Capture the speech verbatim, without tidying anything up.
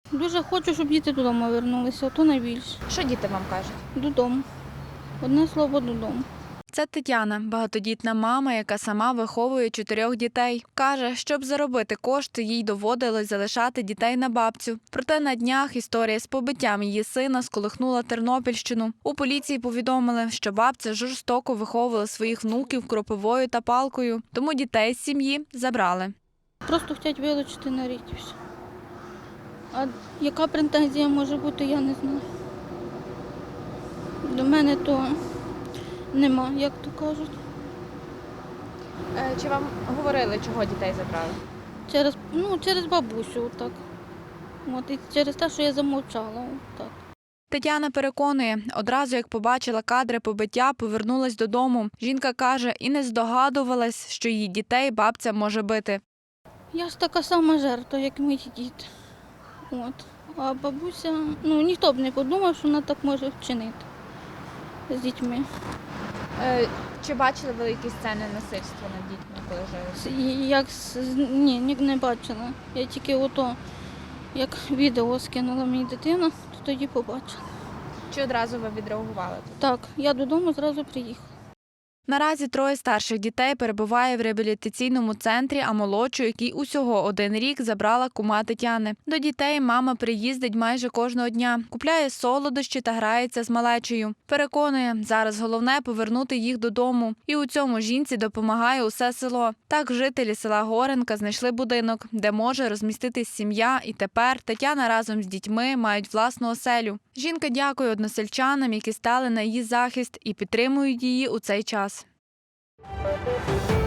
Дуже хочу, щоб діти додому повернулися, а то найбільше. Що діти вам кажуть? Додому. Одне слово додому. Це Тетяна, багатодітна мама, яка сама виховує чотирьох дітей. Каже, щоб заробити кошти, їй доводилось залишати дітей на бабцю. Проте на днях історія з побиттям її сина сколихнула Тернопільщину. У поліції повідомили, що бабця жорстоко виховувала своїх внуків кропивою та палкою, тому дітей з сім'ї забрали. Просто хочуть вилучити на рік і все. А яка претензія може бути, я не знаю. До мене то нема, як то кажуть. Е, Чи вам говорили, чого дітей забрали? Через, ну, через бабусю, так. От, і через те, що я замовчала. Так. Тетяна переконує, одразу як побачила кадри побиття, повернулась додому. Жінка каже, і не здогадувалась, що її дітей бабця може бити. Я ж така сама жертва, як мої діти. От. А бабуся, ну ніхто б не подумав, що вона так може вчинити з дітьми. Е, Чи бачили ви якісь сцени насильства над дітьми, коли жили? С- Як, з- ні, ні, не бачила. Я тільки ото, як відео скинула мені дитина, то тоді побачила. Чи одразу ви відреагували тут? Так, я додому зразу приїхала. Наразі троє старших дітей перебуває в реабілітаційному центрі, а молодшу, який усього один рік, забрала кума Тетяни. До дітей мама приїздить майже кожного дня, купляє солодощі та грається з малечею. Переконує, зараз головне – повернути їх додому. І у цьому жінці допомагає усе село. Так жителі села Горенка знайшли будинок, де може розміститись сім'я, і тепер Тетяна разом з дітьми мають власну оселю. Жінка дякує односельчанам, які стали на її захист і підтримують її у цей час. Thank you.